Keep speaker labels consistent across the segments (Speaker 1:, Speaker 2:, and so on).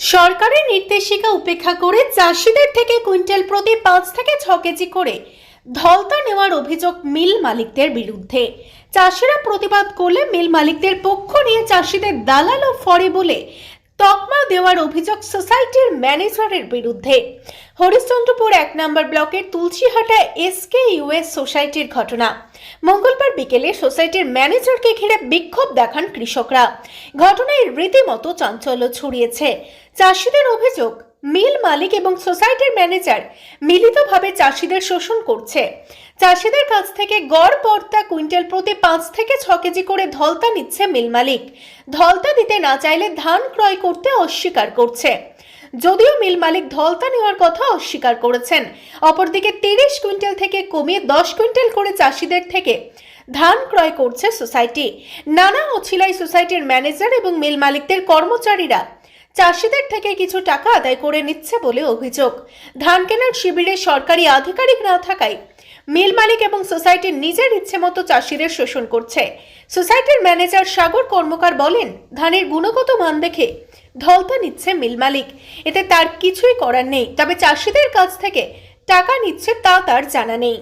Speaker 1: সরকারের নির্দেশিকা উপেক্ষা করে চাষিদের থেকে কুইন্টাল প্রতি 5 থেকে 6 কেজি করে ধলতা নেওয়ার অভিযোগ মিল মালিকদের বিরুদ্ধে। চাষিরা প্রতিবাদ করলে মিল মালিকদের পক্ষ নিয়ে চাষিদের দালাল ও ফরে বলে তকমা দেওয়ার অভিযোগ সোসাইটির ম্যানেজারের বিরুদ্ধে। হরিশ্চন্দ্রপুর 1 নম্বর ব্লকের তুলসীহাটা SKUS সোসাইটির ঘটনা। মঙ্গলবার বিকেলে সোসাইটির ম্যানেজারকে ঘিরে বিক্ষোভ দেখান কৃষকরা। ঘটনায় রীতিমতো চাঞ্চল্য ছড়িয়েছে। চাষিদের অভিযোগ, মিল মালিক এবং সোসাইটির ম্যানেজার মিলিতভাবে চাষিদের শোষণ করছে। চাষিদের কাছ থেকে গড় পড়তা কুইন্টাল প্রতি 5 থেকে 6 কেজি করে ধলতা নিচ্ছে মিল মালিক। ধলতা দিতে না চাইলে ধান ক্রয় করতে অস্বীকার করছে। যদিও মিল মালিক ধলতা নেওয়ার কথা অস্বীকার করেছেন, অপরদিকে 30 কুইন্টাল থেকে কমিয়ে 10 কুইন্টাল করে চাষিদের থেকে ধান ক্রয় করছে সোসাইটি। নানা অছিলাই সোসাইটির ম্যানেজার এবং মিল মালিকদের কর্মচারীরা চাষিদের থেকে কিছু টাকা আদায় করে নিচ্ছে বলে অভিযোগ। ধান কেনার শিবিরে সরকারি আধিকারিক না থাকায় মিল মালিক এবং সোসাইটির নিজের ইচ্ছে মতো চাষিদের শোষণ করছে। সোসাইটির ম্যানেজার সাগর কর্মকার বলেন, ধানের গুণগত মান দেখে ধলতা নিচ্ছে মিল মালিক, এতে তার কিছুই করার নেই। তবে চাষিদের কাছ থেকে টাকা নিচ্ছে তা তার জানা নেই।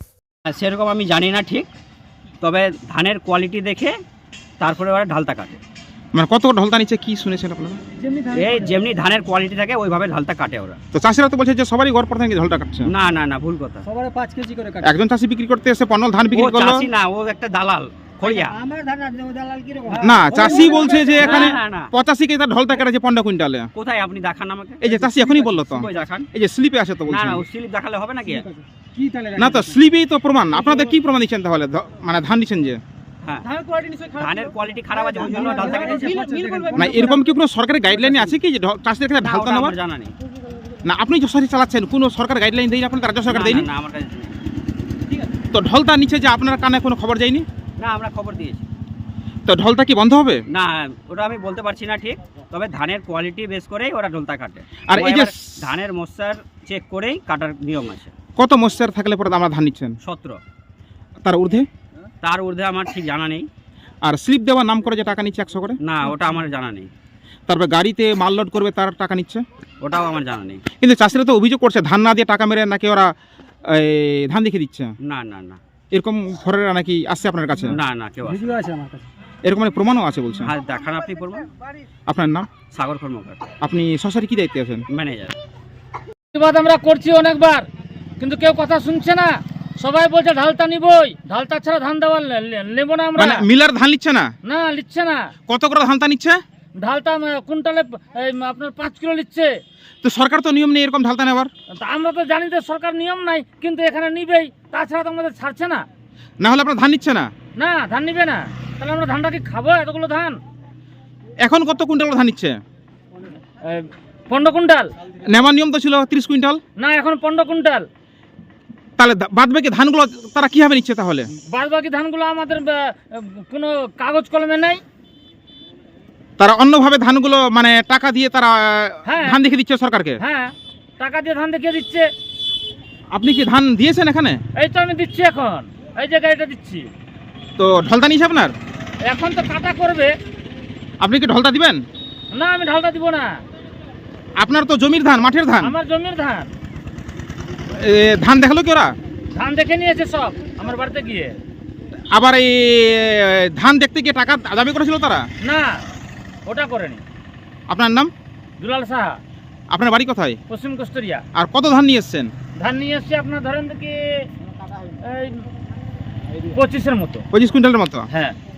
Speaker 2: সেরকম আমি জানি না ঠিক, তবে ধানের কোয়ালিটি দেখে তারপরে ওরা ঢালতা কাটে।
Speaker 3: মানে কত ঢলতা নিচ্ছে কি শুনেছেন আপনারা?
Speaker 2: এই যেমনি ধানের কোয়ালিটি থাকে ওইভাবে ঢালতা কাটে ওরা।
Speaker 3: তো চাষিরা তো বলছে যে সবারই গড় পড়তা নাকি ঢলতা কাটছে।
Speaker 2: না না না, ভুল কথা।
Speaker 4: সবার 5 কেজি করে কাটে।
Speaker 3: একজন চাষি বিক্রি করতে এসে পনেরো ধান
Speaker 2: ও
Speaker 3: বিক্রি করলো।
Speaker 2: চাষি না, ও একটা দালাল খড়িয়া।
Speaker 4: আমার ধান দালাল কি রকম?
Speaker 3: না, চাষি বলছে যে এখানে
Speaker 2: না, না।
Speaker 3: 85 কেজি ঢলতা কাটে 15 কুইন্টালে।
Speaker 2: কোথায় আপনি দেখান আমাকে।
Speaker 3: এই যে চাষি এখনই বললো তো,
Speaker 2: কই দেখান।
Speaker 3: এই যে স্লিপে আছে তো
Speaker 2: না
Speaker 3: বলছেন।
Speaker 2: না, ও স্লিপ দেখালে হবে নাকি?
Speaker 4: কি তাহলে?
Speaker 3: না তো স্লিপেই তো প্রমাণ। আপনাদের কি প্রমাণ দিচ্ছেন তাহলে? মানে ধান দিচ্ছেন যে
Speaker 2: হ্যাঁ,
Speaker 4: ধানের কোয়ালিটি নিশ্চয়ই খারাপ।
Speaker 2: ধানের কোয়ালিটি খারাপ আছে ওই জন্য ঢালতা কেটেছে।
Speaker 3: না, এরকম কি কোনো সরকারি গাইডলাইন আছে কি যে চাষিদের ক্ষেত্রে
Speaker 2: না,
Speaker 3: ঢালতা
Speaker 2: ওটা
Speaker 3: নেওয়ার?
Speaker 2: আমার জানা নেই।
Speaker 3: না, আপনি যশোরে চালাচ্ছেন, কোনো সরকার গাইডলাইন দেয়নি আপনাদের? রাজ্য সরকার
Speaker 2: না,
Speaker 3: দেয়নি?
Speaker 2: না, না, আমার কাছে নেই।
Speaker 4: ঠিক আছে।
Speaker 3: তো ঢলতা নিচে যে আপনার কানে কোনো খবর যায়নি?
Speaker 2: না, আমরা খবর দিয়েছি।
Speaker 3: তো ঢলতা কি বন্ধ হবে?
Speaker 2: না, ওটা আমি বলতে পারছি না ঠিক, তবে ধানের কোয়ালিটি বেস করেই ওরা ঢোলতা কাটে।
Speaker 3: আর এই যে
Speaker 2: এবার ধানের মশার চেক করেই কাটার নিয়ম আছে।
Speaker 3: কত মশার থাকলে পরে আমরা ধান নিচ্ছেন?
Speaker 2: 17।
Speaker 3: তার ঊর্ধ্বে?
Speaker 2: তার ঊর্ধ্বে আমার ঠিক জানা নেই।
Speaker 3: আর স্লিপ দেওয়ার নাম করে যে টাকা নিচ্ছে 100 করে?
Speaker 2: না, ওটা আমার জানা নেই।
Speaker 3: তারপরে গাড়িতে মাল লোড করবে তার টাকা নিচ্ছে?
Speaker 2: ওটাও আমার জানা নেই।
Speaker 3: কিন্তু চাষিরা তো অভিযোগ করছে ধান না দিয়ে টাকা মেরে নাকি ওরা ধান দেখে দিচ্ছে।
Speaker 2: না না না,
Speaker 3: এরকম ঘরেরা নাকি আসছে আপনার কাছে?
Speaker 2: না না, কেউ আসে।
Speaker 4: ভিডিও আছে আমার কাছে।
Speaker 3: এরকম অনেক প্রমাণও আছে বলছেন।
Speaker 2: হ্যাঁ, দেখান আপনি করবেন।
Speaker 3: আপনার নাম?
Speaker 2: সাগর কর্মকার,
Speaker 3: আপনি সোসাইটি কি দায়িত্বে আছেন?
Speaker 2: ম্যানেজার।
Speaker 4: প্রতিবাদ আমরা করছি অনেকবার, কিন্তু কেউ কথা শুনছে না। সবাই বলছে ঢালতা নিবই, ঢালতা ছাড়া ধান দেওয়া নেব না আমরা।
Speaker 3: মানে মিলার ধান নিচ্ছে না?
Speaker 4: না, নিচ্ছে না।
Speaker 3: কত করে ধানটা নিচ্ছে?
Speaker 4: ঢালতা কুইন্টালে আপনার 5 কিলো নিচ্ছে।
Speaker 3: তো সরকার তো নিয়ম নেই এরকম ঢালতা নেওয়ার।
Speaker 4: তা আমরা তো জানি যে সরকার নিয়ম নাই, কিন্তু এখানে নিবেই, তাছাড়া তো আমাদের ছাড়ছে না।
Speaker 3: না হলে আপনার ধান নিচ্ছে না?
Speaker 4: না, ধান নিবে না, তাহলে আমরা ধানটা কি খাবো? এতগুলো ধান।
Speaker 3: এখন কত কুইন্টাল ধান নিচ্ছে?
Speaker 4: 15 কুইন্টাল।
Speaker 3: নেওয়ার নিয়ম তো ছিল 30 কুইন্টাল।
Speaker 4: না, এখন 15 কুইন্টাল।
Speaker 3: তাহলে বাদ বাকি ধানগুলো তারা কিভাবে নিচ্ছে তাহলে?
Speaker 4: বাদ বাকি ধানগুলো আমাদের কোনো কাগজ কলমে নাই।
Speaker 3: তারা অন্যভাবে ধানগুলো মানে টাকা দিয়ে তারা
Speaker 4: হ্যাঁ।
Speaker 3: ধান দেখে দিচ্ছে সরকারকে?
Speaker 4: হ্যাঁ, টাকা দিয়ে ধান দেখিয়ে দিচ্ছে।
Speaker 3: আপনি কি ধান দিয়েছেন এখানে?
Speaker 4: এই তো আমি দিচ্ছি, এখন এই যে গাড়িটা দিচ্ছি।
Speaker 3: তো ঢলতা নিয়েছে আপনার?
Speaker 4: এখন তো কাটা করবে।
Speaker 3: আপনি কি ঢলতা দিবেন?
Speaker 4: না, আমি ঢালটা দিব না।
Speaker 3: আপনার তো জমির ধান, মাঠের ধান।
Speaker 4: আমার জমির ধান।
Speaker 3: ধান দেখালো কি ওরা?
Speaker 4: ধান দেখে নিয়েছে সব আমার বাড়িতে গিয়ে।
Speaker 3: আবার এই ধান দেখতে গিয়ে টাকা দাবি করেছিল তারা?
Speaker 4: না, ওটা করেনি।
Speaker 3: আপনার নাম?
Speaker 4: দুলাল সাহা,
Speaker 3: আপনার বাড়ি কোথায়?
Speaker 4: পশ্চিম কস্তুরিয়া।
Speaker 3: আর কত ধান নিয়ে এসছেন?
Speaker 4: ধান নিয়ে এসছি আপনার ধরেন কি 25-এর মতো।
Speaker 3: 25 কুইন্টালের মতো।
Speaker 4: হ্যাঁ।